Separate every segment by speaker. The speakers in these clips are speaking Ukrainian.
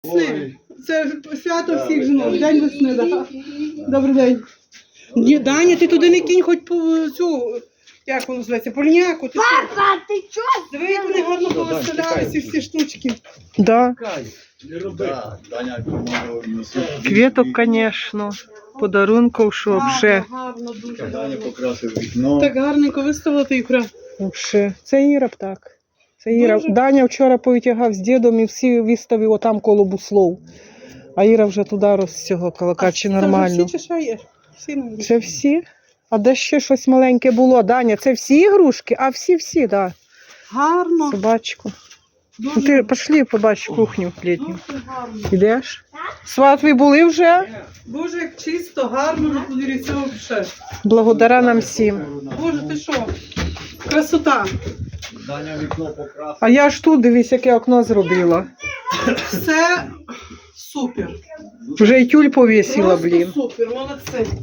Speaker 1: Весни. Це свято всіх жінок. День весни, так. Добрий день. Ні, Даня, ти туди не кінь, хоч по цю, як воно називається, польняку.
Speaker 2: Папа, ти чого?
Speaker 1: Диви, як вони гарно повиставляли ці всі штучки.
Speaker 3: Да.
Speaker 4: Даня,
Speaker 3: Квіток, звісно, подарунків, що вже.
Speaker 1: Гарно, дуже
Speaker 4: Даня
Speaker 1: гарно.
Speaker 4: покрасив вікно.
Speaker 1: Так гарненько виставила ти ікра.
Speaker 3: Вже. Це Іра б так. Це Іра.
Speaker 1: Дуже.
Speaker 3: Даня вчора повитягав з дідом і всі виставив отам коло буслов. А Іра вже туди розцього каче нормально.
Speaker 1: Це вже всі чи що є? Всі не
Speaker 3: Це всі? А де ще щось маленьке було? Даня, це всі ігрушки? А всі, так. Да.
Speaker 1: Гарно.
Speaker 3: Собачку.
Speaker 1: Дуже
Speaker 3: Ну, ти пішли, побач кухню літню.
Speaker 1: дуже гарно.
Speaker 3: Ідеш? Сватві були вже?
Speaker 1: Боже, як чисто, гарно на подвір'ї цього вже.
Speaker 3: Благодаря нам всім.
Speaker 1: Боже, ти що? Красота.
Speaker 4: Даня вікно покрасив.
Speaker 3: А я ж тут, дивись, яке окно зробила.
Speaker 1: Все супер.
Speaker 3: Вже й тюль повісила,
Speaker 1: Просто
Speaker 3: блін.
Speaker 1: супер, молодці.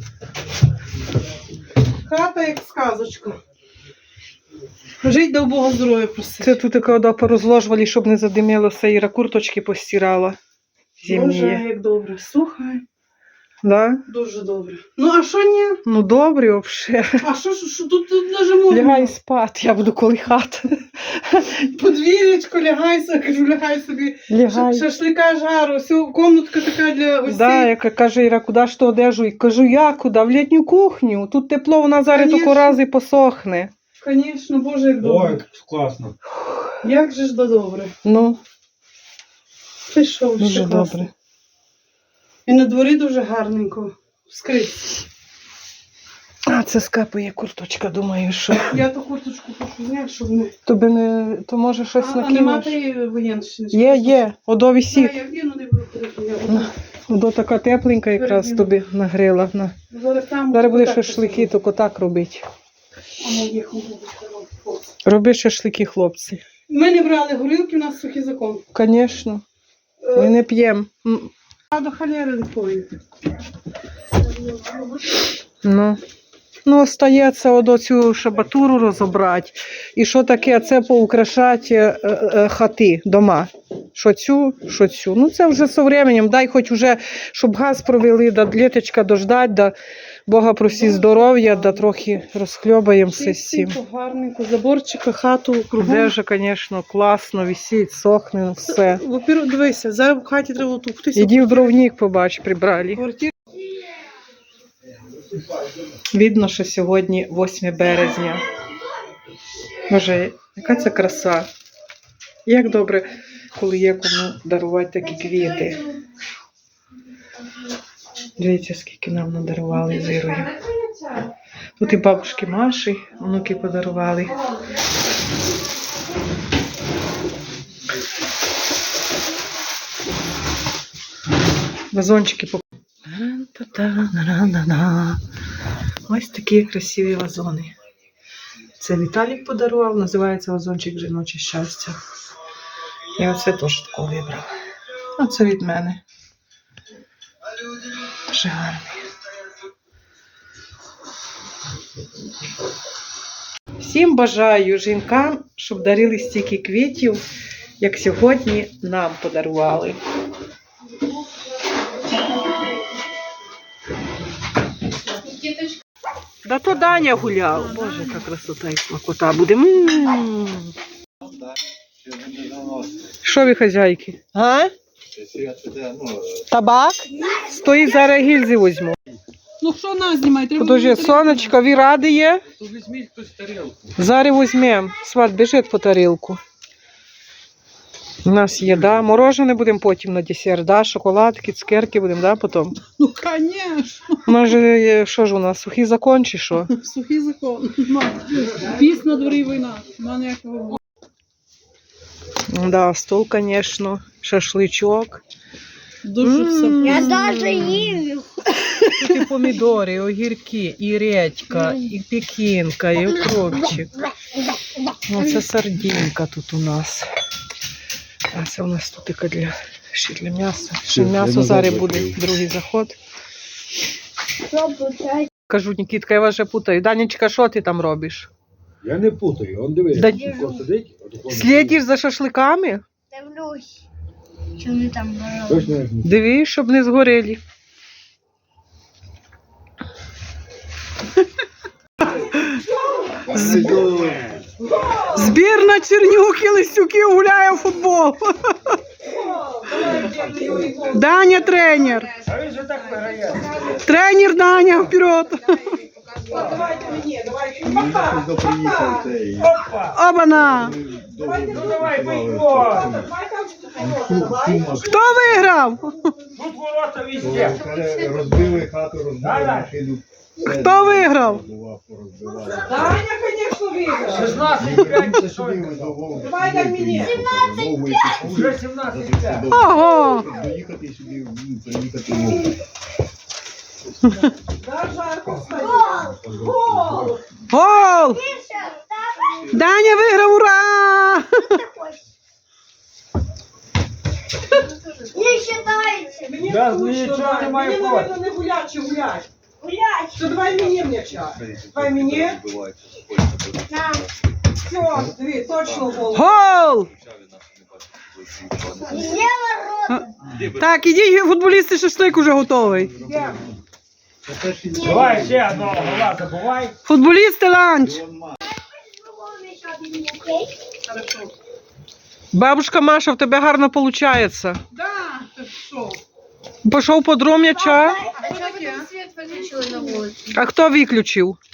Speaker 1: Хата як сказочка. Жить до Бога здоров'я просить.
Speaker 3: Це тут коли порозложували, щоб не задимілося, Іра курточки постирала.
Speaker 1: Боже,
Speaker 3: Зимні.
Speaker 1: як добре. Слухай,
Speaker 3: Да?
Speaker 1: дуже добре. Ну, а що ні?
Speaker 3: Ну добре, взагалі.
Speaker 1: А що тут даже можна?
Speaker 3: Лягай спати, я буду колихати.
Speaker 1: Подвір'ячко, лягай, кажу, лягай собі.
Speaker 3: Лягай.
Speaker 1: Шашлика жару, всю комнатка така для гостей.
Speaker 3: Да, яка каже Іра, куди ж то одежу? І кажу, я куди? В літню кухню. Тут тепло, вона зараз
Speaker 1: Конечно.
Speaker 3: тако раз і посохне.
Speaker 1: Звісно, Боже, як добре.
Speaker 4: Ой, класно.
Speaker 1: Як же ж да добре.
Speaker 3: Ну,
Speaker 1: Ти що,
Speaker 3: дуже
Speaker 1: ще класно.
Speaker 3: добре.
Speaker 1: І на дворі дуже гарненько. Скрізь.
Speaker 3: А, це скапає курточка, думаю, що.
Speaker 1: Я ту курточку хочу зняти, щоб не...
Speaker 3: Тобі не, то може щось
Speaker 1: А нема
Speaker 3: накинеш?
Speaker 1: тієї воєнщини?
Speaker 3: Є, одо висить.
Speaker 1: Я вдіну, не буду ходити.
Speaker 3: Одо така тепленька якраз тобі нагрила. На.
Speaker 1: Зараз там...
Speaker 3: Зараз будеш
Speaker 1: так
Speaker 3: шашлики, тільки так робити.
Speaker 1: А моїх голубів.
Speaker 3: Роби шашлики, хлопці.
Speaker 1: Ми не брали горілки, у нас сухий закон.
Speaker 3: Звісно. Ми не п'ємо.
Speaker 1: А до холєри не повинні.
Speaker 3: Ну, остається одо цю шабатуру розібрати. І що таке, це поукрашати хати, дома. Що цю. Ну, це вже з часом. Дай хоч уже, щоб газ провели, да літочка дождать, да Бога просі здоров'я, да трохи розхльобаємося з цим.
Speaker 1: Чистенько, гарненько, заборчика, хату, кругом.
Speaker 3: Одежа, звісно, класно, висить, сохне, все.
Speaker 1: Во-первых, дивися, зараз в хаті треба тупитися.
Speaker 3: Іди в дровник, побач, прибрали.
Speaker 1: Квартиру.
Speaker 3: Видно, що сьогодні 8 березня. Боже, яка це краса. Як добре, коли є кому дарувати такі квіти. Дивіться, скільки нам надарували з Ірою. Тут і бабушки Маші, онуки подарували. Вазончики по... Ось такі красиві вазони. Це Віталік подарував, називається вазончик «Жіноче щастя». Я оце теж такого вибрала. А це від мене. Дуже гарний. Всім бажаю жінкам, щоб дарили стільки квітів, як сьогодні нам подарували. Да то Даня гуляв. Боже, яка красота і смакота буде. Що ви, хазяйки? А? Табак? Стоїть, зараз гільзи візьму.
Speaker 1: Ну що нас знімає? Треба
Speaker 3: Подожди,
Speaker 1: було
Speaker 3: сонечко, ви раді є?
Speaker 4: То візьміть хтось тарілку.
Speaker 3: Зараз візьмемо. Сват, біжить по тарілку. У нас є, да? Морожене будемо потім на десерт, да? Шоколадки, цукерки будемо, да, потім?
Speaker 1: Ну, звісно.
Speaker 3: Може, що ж у нас, сухий закон чи що?
Speaker 1: Сухий закон. Піс на дворі війна. Нема ніякого.
Speaker 3: Да, стол, звісно, шашличок.
Speaker 1: Дуже все.
Speaker 2: Я даже їм.
Speaker 3: Тут і помідори, і огірки, і редька, і пекінка, і укропчик. Оце сардинка тут у нас. А це у нас тут тільки ще для м'яса. Ще м'ясо зараз буде другий заход. Кажу, Нікітка, я вас вже путаю. Данечка, що ти там робиш?
Speaker 5: Я не путаю, он дивись,
Speaker 3: Да-
Speaker 5: тако сидить, отако
Speaker 3: Слідиш за шашликами?
Speaker 2: Дивлюсь. Що вони там робили?
Speaker 4: Точно як ні?
Speaker 3: Дивись, щоб не згоріли. Збірна Чернюхи Листюків гуляє в футбол. Даня тренер.
Speaker 5: А він же так виграє.
Speaker 3: Тренер Даня вперед.
Speaker 1: Давайте мені, давайте.
Speaker 4: Мені щось приїхав цей.
Speaker 5: Опа!
Speaker 3: Обана.
Speaker 5: Ну давай, бийко!
Speaker 3: Хто виграв?
Speaker 5: Тут ворота везде.
Speaker 4: Розбили хату, розбили
Speaker 5: Да-да.
Speaker 4: машину.
Speaker 3: Хто виграв?
Speaker 1: Даня, звісно, виграв.
Speaker 5: 16-5 чи що?
Speaker 1: Давай, дай мені.
Speaker 5: Уже 17-5.
Speaker 3: Ого.
Speaker 4: Доїхати сюди, приїхати мов.
Speaker 1: Да, жарко стає. Гол!
Speaker 3: Гол! Даня виграв, ура!
Speaker 2: Не считається.
Speaker 1: Мені
Speaker 5: Да,
Speaker 1: скучно,
Speaker 5: нічого
Speaker 1: Даня.
Speaker 5: немає
Speaker 1: Мені,
Speaker 5: проти.
Speaker 1: мабуть, не гулять чи гулять.
Speaker 2: Гулять.
Speaker 1: То давай мені м'яча. Давай мені.
Speaker 2: На.
Speaker 1: Все, диви, точно гол.
Speaker 3: Гол!
Speaker 2: Є ворота.
Speaker 3: Так, ідіть, футболісти, шашлик уже готовий.
Speaker 1: Є.
Speaker 5: Давай ще одного гола забувай.
Speaker 3: Футболісти ланч.
Speaker 1: Хорошо.
Speaker 3: Бабушка Маша, в тебе гарно виходить.
Speaker 1: Да, ти що?
Speaker 3: Пішов по дром м'яча.
Speaker 2: А що ви там світ виключили на вулиці?
Speaker 3: А хто виключив?